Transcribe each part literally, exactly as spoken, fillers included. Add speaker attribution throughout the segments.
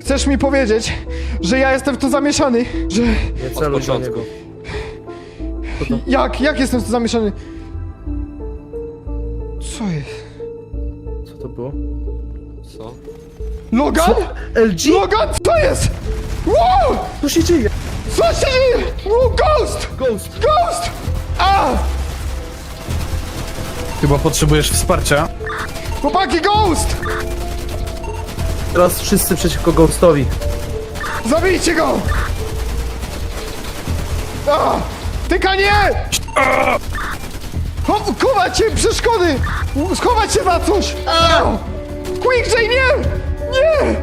Speaker 1: Chcesz mi powiedzieć, że ja jestem w to zamieszany? Że...
Speaker 2: Nie celuj do niego. Co to?
Speaker 1: Jak? Jak jestem w to zamieszany? Co jest?
Speaker 2: Co to było?
Speaker 3: Co?
Speaker 1: Logan?
Speaker 2: Co? L G?
Speaker 1: Logan, co jest? Wow!
Speaker 2: Co się dzieje?
Speaker 1: Co się dzieje? Wow, ghost!
Speaker 2: Ghost!
Speaker 1: Ghost! A!
Speaker 4: Chyba potrzebujesz wsparcia.
Speaker 1: Chłopaki, ghost!
Speaker 2: Teraz wszyscy przeciwko Ghostowi.
Speaker 1: Zabijcie go! A! Tyka nie! A! Cho- Chować się, przeszkody! Schować się na coś! A! Quick, J, nie! Nie!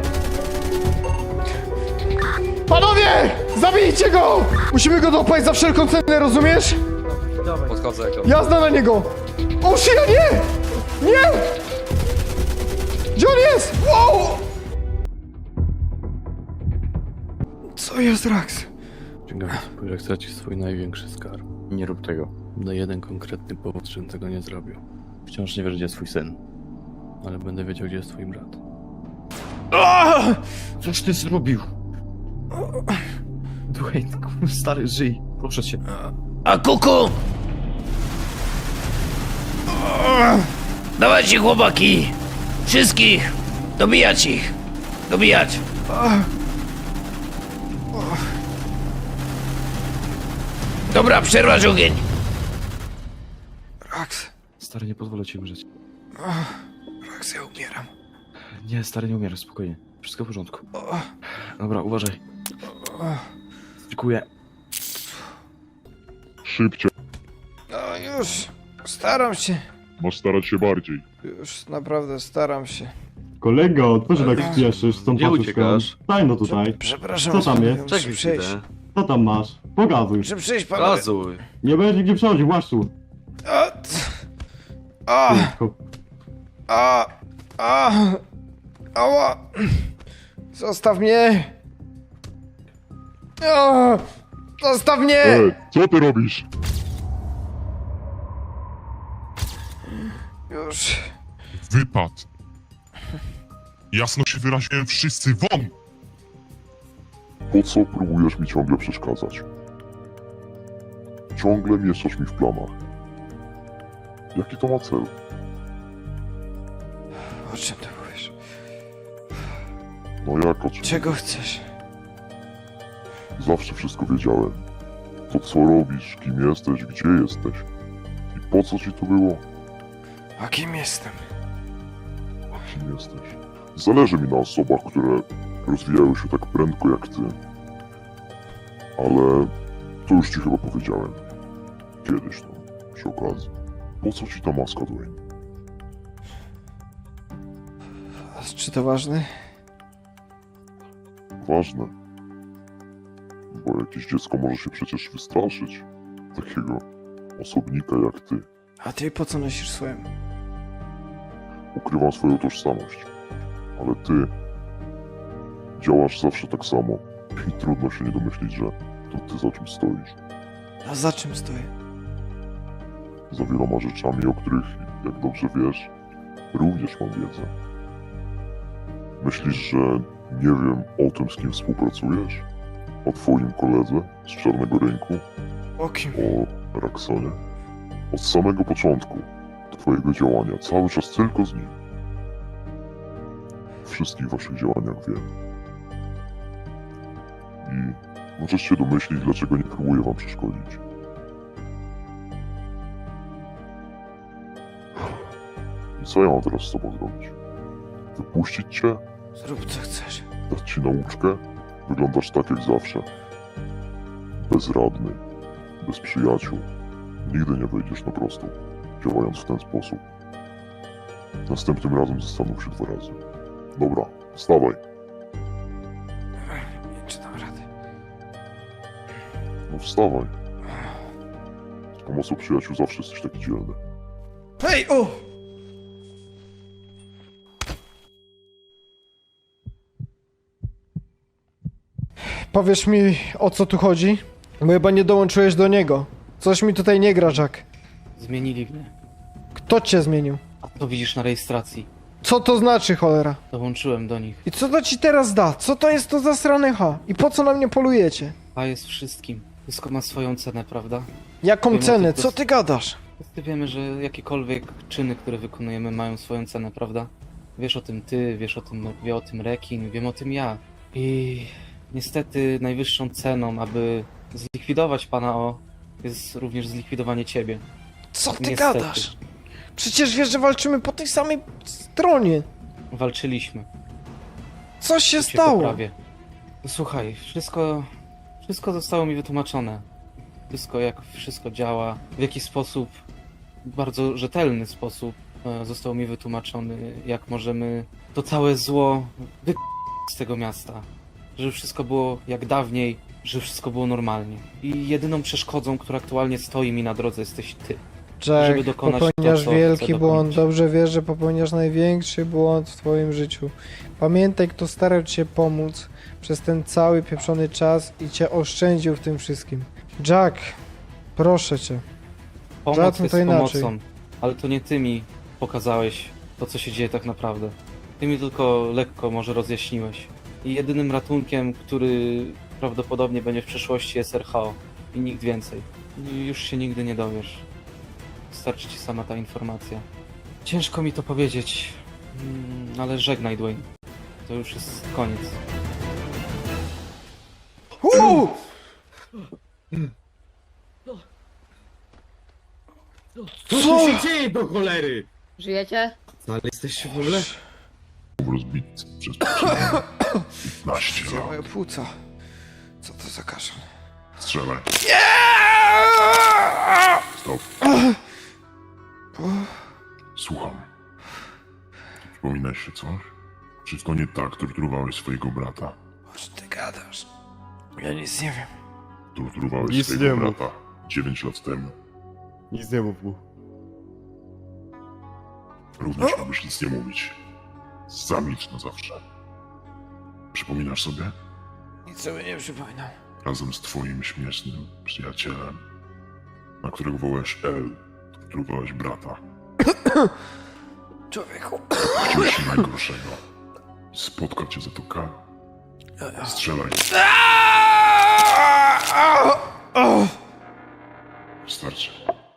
Speaker 1: Panowie! Zabijcie go! Musimy go dopaść za wszelką cenę, rozumiesz?
Speaker 2: Dawaj.
Speaker 3: Podchodzę jak
Speaker 1: Jazda na niego! O, szyja, nie! Nie! Gdzie on jest? Wow! Co jest, Rax?
Speaker 5: Ściągam spójrz, jak stracisz swój największy skarb. Nie rób tego. Na jeden konkretny powód, żebym tego nie zrobił. Wciąż nie wiesz, gdzie jest twój syn. Ale będę wiedział, gdzie jest twój brat.
Speaker 6: Coś ty zrobił? Dwayne, kur- stary, żyj. Proszę cię.
Speaker 7: A kuku! Dawajcie, chłopaki! Wszystkich! Dobijać ich! Dobijać! Dobra, przerwać ogień!
Speaker 1: Rax,
Speaker 6: Stary, nie pozwolę ci umrzeć.
Speaker 1: Rax, ja umieram.
Speaker 6: Nie, stary, nie umierasz, spokojnie. Wszystko w porządku. Dobra, uważaj. Dziękuję.
Speaker 8: Szybciej,
Speaker 1: No już, staram się.
Speaker 8: masz starać się bardziej.
Speaker 1: Już naprawdę staram się.
Speaker 9: Kolego, co się tak spieszysz z tą
Speaker 5: Gdzie
Speaker 9: paczką?
Speaker 5: uciekasz?
Speaker 9: Daj no tutaj.
Speaker 1: Przepraszam,
Speaker 9: Co tam
Speaker 1: panowie,
Speaker 9: jest?
Speaker 1: muszę
Speaker 5: Czekaj
Speaker 1: przejść.
Speaker 5: chwilę.
Speaker 9: Co tam masz? Pokazuj.
Speaker 1: Muszę przejść, panowie.
Speaker 5: Gazuj.
Speaker 9: Nie będzie gdzie przechodzić, właściu.
Speaker 1: A, t- a, a, a, ała. Zostaw mnie. A, zostaw mnie.
Speaker 8: Ej, co ty robisz?
Speaker 1: Już.
Speaker 10: Wypad! Jasno się wyraziłem, wszyscy won!
Speaker 8: Po co próbujesz mi ciągle przeszkadzać? Ciągle mieszasz mi w planach. Jaki to ma cel?
Speaker 1: O czym ty mówisz?
Speaker 8: No jak o czym?
Speaker 1: Czego chcesz?
Speaker 8: Zawsze wszystko wiedziałem. To co robisz, kim jesteś, gdzie jesteś i po co ci to było?
Speaker 1: A kim jestem?
Speaker 8: Kim jesteś? Zależy mi na osobach, które rozwijają się tak prędko jak ty. Ale to już ci chyba powiedziałem. Kiedyś tam, przy okazji. Po co ci ta maska, Dwayne?
Speaker 1: A czy to ważne?
Speaker 8: Ważne. Bo jakieś dziecko może się przecież wystraszyć takiego osobnika jak ty.
Speaker 1: A ty po co nosisz swoją?
Speaker 8: Ukrywam swoją tożsamość. Ale ty działasz zawsze tak samo. I trudno się nie domyślić, że to ty za czym stoisz.
Speaker 1: A za czym stoję?
Speaker 8: Za wieloma rzeczami, o których, jak dobrze wiesz, również mam wiedzę. Myślisz, że nie wiem o tym, z kim współpracujesz? O twoim koledze z Czarnego Rynku?
Speaker 1: O kim?
Speaker 8: O Raxonie? Od samego początku twojego działania, cały czas tylko z nim. O wszystkich waszych działaniach wiem. I możesz się domyślić, dlaczego nie próbuję wam przeszkodzić. I co ja mam teraz z tobą zrobić? Wypuścić cię?
Speaker 1: Zrób co chcesz.
Speaker 8: Dać ci nauczkę? Wyglądasz tak jak zawsze. Bezradny. Bez przyjaciół. Nigdy nie wejdziesz na prostą, działając w ten sposób. Następnym razem zastanów się dwa razy. Dobra, wstawaj.
Speaker 1: Nie czytam rady.
Speaker 8: No wstawaj. Z pomocą przyjaciół zawsze jesteś taki dzielny.
Speaker 1: Hej, o! Powiesz mi, o co tu chodzi? Bo chyba nie dołączyłeś do niego. Coś mi tutaj nie gra, Jack.
Speaker 7: Zmienili mnie.
Speaker 1: Kto cię zmienił?
Speaker 7: A to widzisz na rejestracji.
Speaker 1: Co to znaczy, cholera?
Speaker 2: Dołączyłem do nich.
Speaker 1: I co to ci teraz da? Co to jest to za stranycha? I po co na mnie polujecie?
Speaker 2: A jest wszystkim. Wszystko ma swoją cenę, prawda?
Speaker 1: Jaką
Speaker 2: Wiem o
Speaker 1: cenę?
Speaker 2: tym,
Speaker 1: Co ty gadasz?
Speaker 2: Wszyscy wiemy, że jakiekolwiek czyny, które wykonujemy, mają swoją cenę, prawda? Wiesz o tym ty, wiesz o tym, wie o tym Rekin, wiem o tym ja. I niestety najwyższą ceną, aby zlikwidować pana O, jest również zlikwidowanie ciebie.
Speaker 1: Co ty
Speaker 2: Niestety.
Speaker 1: gadasz? Przecież wiesz, że walczymy po tej samej stronie.
Speaker 2: Walczyliśmy.
Speaker 1: Co się
Speaker 2: To cię
Speaker 1: stało?
Speaker 2: poprawię. Słuchaj, wszystko, wszystko zostało mi wytłumaczone. Wszystko, jak wszystko działa, w jaki sposób, w bardzo rzetelny sposób e, został mi wytłumaczony, jak możemy to całe zło wy... z tego miasta. Żeby wszystko było jak dawniej, żeby wszystko było normalnie. I jedyną przeszkodą, która aktualnie stoi mi na drodze, jesteś ty. żeby
Speaker 1: Jack,
Speaker 2: dokonać
Speaker 1: popełniasz
Speaker 2: to, co
Speaker 1: wielki
Speaker 2: chcę
Speaker 1: błąd.
Speaker 2: dokonać.
Speaker 1: Dobrze wiesz, że popełniasz największy błąd w twoim życiu. Pamiętaj, kto starał ci się pomóc przez ten cały pieprzony czas i cię oszczędził w tym wszystkim. Jack, proszę cię.
Speaker 2: Pomoc
Speaker 1: Żadne
Speaker 2: jest
Speaker 1: to inaczej.
Speaker 2: pomocą, ale to nie ty mi pokazałeś to, co się dzieje tak naprawdę. Ty mi tylko lekko może rozjaśniłeś. I jedynym ratunkiem, który prawdopodobnie będzie w przyszłości, jest R H O. I nikt więcej. I już się nigdy nie dowiesz. Starczy ci sama ta informacja. Ciężko mi to powiedzieć, mm, ale żegnaj, Dwayne. To już jest koniec.
Speaker 1: Uuu!
Speaker 6: Co tu się dzieje do cholery?
Speaker 3: Żyjecie?
Speaker 6: Ale jesteście w ogóle?
Speaker 8: Rozbity przez poprzednie piętnaście
Speaker 1: Gdzie
Speaker 8: lat.
Speaker 1: moje płuca? Co to za kaszan?
Speaker 8: Strzelaj. Stop. Słucham. Przypominasz się coś? Wszystko nie tak torturowałeś swojego brata.
Speaker 1: O czym ty gadasz? Ja nic nie wiem.
Speaker 8: Torturowałeś
Speaker 9: Nic
Speaker 8: swojego
Speaker 9: nie mów.
Speaker 8: brata dziewięć lat temu.
Speaker 9: Nic nie mów mu.
Speaker 8: Również możesz nic nie mówić. Zamilcz na zawsze. Przypominasz sobie?
Speaker 1: Nic sobie nie przypominam.
Speaker 8: Razem z twoim śmiesznym przyjacielem, na którego wołałeś L, torturowałeś brata.
Speaker 1: Człowieku.
Speaker 8: Chciałeś się najgorszego. I spotkał cię za to kara. Strzelaj. Wystarczy.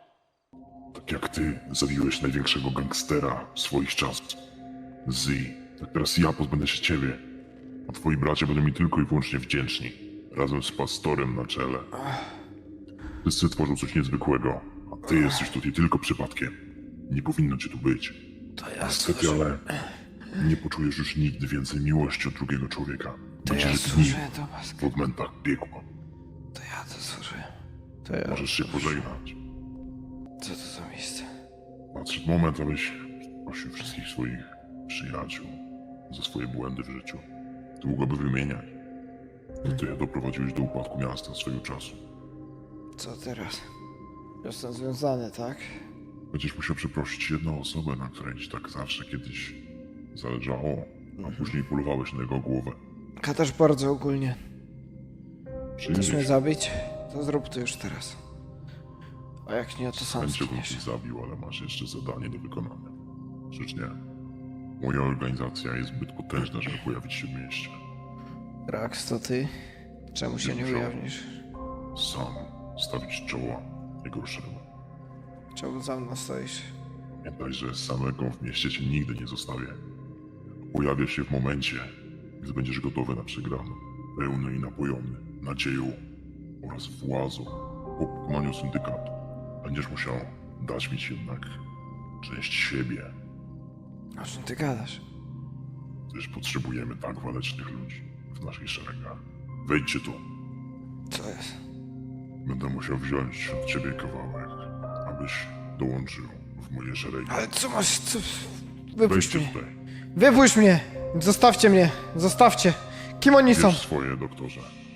Speaker 8: Tak jak ty zabiłeś największego gangstera swoich czasów. Z. Tak teraz ja pozbędę się ciebie. A twoi bracia będą mi tylko i wyłącznie wdzięczni. Razem z pastorem na czele. Wszyscy tworzą coś niezwykłego. A ty jesteś tutaj tylko przypadkiem. Nie powinno cię tu być.
Speaker 1: To ja
Speaker 8: Niestety, ale nie poczujesz już nigdy więcej miłości od drugiego człowieka.
Speaker 1: To ja
Speaker 8: Będziesz dni
Speaker 1: służyłem do was.
Speaker 8: w odmętach piekła.
Speaker 1: To ja to służyłem. To ja...
Speaker 8: Możesz się pożegnać.
Speaker 1: Co to za miejsce?
Speaker 8: Nadszedł moment, abyś prosił wszystkich swoich przyjaciół za swoje błędy w życiu. Długo by wymieniać. To ty doprowadziłeś do upadku miasta swojego czasu.
Speaker 1: Co teraz? Jestem związany, tak?
Speaker 8: Będziesz musiał przeprosić jedną osobę, na której ci tak zawsze kiedyś zależało, a później polowałeś na jego głowę.
Speaker 1: Gadasz bardzo ogólnie. Chcesz mnie
Speaker 8: Przyjrzyj się.
Speaker 1: zabić? To zrób to już teraz. A jak nie, to
Speaker 8: Z
Speaker 1: sam
Speaker 8: chęcią bym
Speaker 1: zginiesz.
Speaker 8: ci zabił, ale masz jeszcze zadanie do wykonania. Rzecz nie. Moja organizacja jest zbyt potężna, żeby pojawić się w mieście.
Speaker 1: Rax, to ty? Czemu się nie
Speaker 8: Wiedział.
Speaker 1: ujawnisz?
Speaker 8: Sam stawić czoła najgorszemu.
Speaker 1: Czemu za mną stoisz?
Speaker 8: Pamiętaj, że samego w mieście cię nigdy nie zostawię. Pojawię się w momencie, gdy będziesz gotowy na przegraną. Pełny i napojony nadzieją oraz władzą po pokonaniu syndykatu. Będziesz musiał dać mi jednak część siebie,
Speaker 1: O czym ty gadasz?
Speaker 8: gdyż potrzebujemy tak walecznych ludzi w naszych szeregach. Wejdźcie tu.
Speaker 1: Co jest?
Speaker 8: Będę musiał wziąć od ciebie kawałek, abyś dołączył w moje szeregi.
Speaker 1: Ale co masz? Co? Wypuść
Speaker 8: Wejdźcie
Speaker 1: mnie.
Speaker 8: tutaj.
Speaker 1: Wypuść mnie! Zostawcie mnie! Zostawcie! Kim oni są?
Speaker 8: Wiesz swoje, doktorze.